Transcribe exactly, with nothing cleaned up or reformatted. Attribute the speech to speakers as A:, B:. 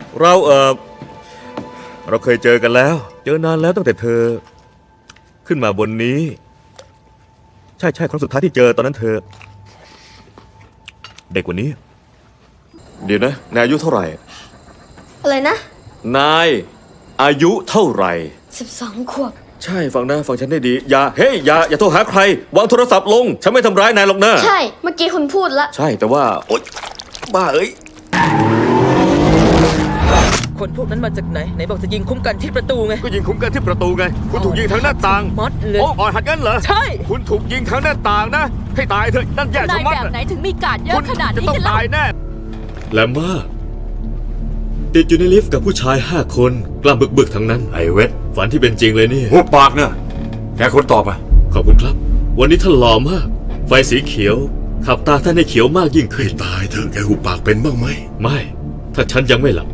A: เราเออเราเคยเจอกันแล้ว เจอนานแล้วตั้งแต่เธอ ขึ้นมาบนนี้ ใช่ใช่ครั้งสุดท้ายที่เจอตอนนั้นเธอ เด็กกว่านี้
B: เดี๋ยวนะนายอายุเท่าไหร่
C: อะไรนะ
B: นายอายุเท่าไหร่
C: สิบสองขวบ
B: ใช่ฟังนะฟังฉันได้ดีอย่าเฮ้ยอย่าอย่าโทรหาใครวางโทรศัพท์ลงฉันไม่ทำร้ายนายหรอกนะ
C: ใช่ เมื่อกี้คุณพูดละ
B: ใช่แต่ว่าโอ๊ยบ้าเอ้ย
D: คนพวกนั้นมาจากไหน ไหนบอกจะยิงคุ้มกันที่ประตูไง
A: ก็ยิงคุ้มกันที่ประตูไง คุณถูกยิงทางหน้าต่าง
D: มัดเลย
A: โอ้อ่อนหัดกันเหรอ
D: ใช่
A: คุณถูกยิงทางหน้าต่างนะ ให้ตายเถอะนั่นแย่ชะ
E: นาย
A: มัด
E: แบบไหนถึงมีการเย
A: คุ
E: อะ
A: ณ
E: ขนาด
A: จะ
E: นี้
A: ต้อง
E: กันล่ะ
A: ตายแน่แลมมาติดอยู่ในลิฟต์กับผู้ชายห้าคนกล้ามบึกๆทั้งนั้น
F: ไอ้เวท
A: ฝันที่เป็นจริงเลยนี่
F: หัวปากนะแกคนตอบอ่ะ
A: ขอบคุณครับ วันนี้ท่านหล่อมาก ไฟสีเขียว ขับตาท่านให้เขียวมากยิ่งขึ้น
F: ตายเถอะแกหูปากเป็นบ้างไหม
A: ไม่ ถ้าฉันยังไม่หลับ